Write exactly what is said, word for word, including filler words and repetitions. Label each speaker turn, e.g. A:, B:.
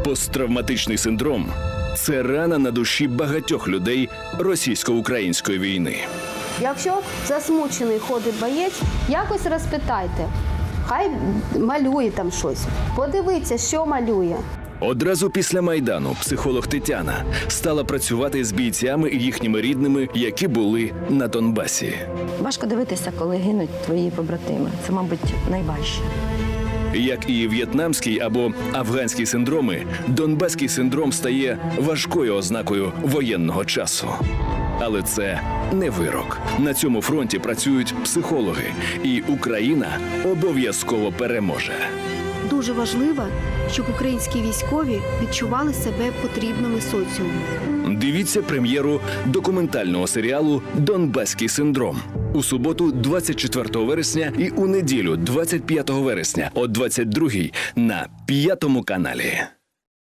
A: Посттравматичний синдром – це рана на душі багатьох людей російсько-української війни.
B: Якщо засмучений ходить боєць, якось розпитайте. Хай малює там щось. Подивіться, що малює.
A: Одразу після Майдану психолог Тетяна стала працювати з бійцями і їхніми рідними, які були на Донбасі.
C: Важко дивитися, коли гинуть твої побратими. Це, мабуть, найважче.
A: Як і в'єтнамський або афганський синдроми, донбаський синдром стає важкою ознакою воєнного часу. Але це не вирок. На цьому фронті працюють психологи, і Україна обов'язково переможе.
D: Дуже важливо, щоб українські військові відчували себе потрібними соціуму.
A: Дивіться прем'єру документального серіалу «Донбаський синдром» у суботу, двадцять четвертого вересня, і у неділю, двадцять п'ятого вересня, о двадцять другій на п'ятому каналі.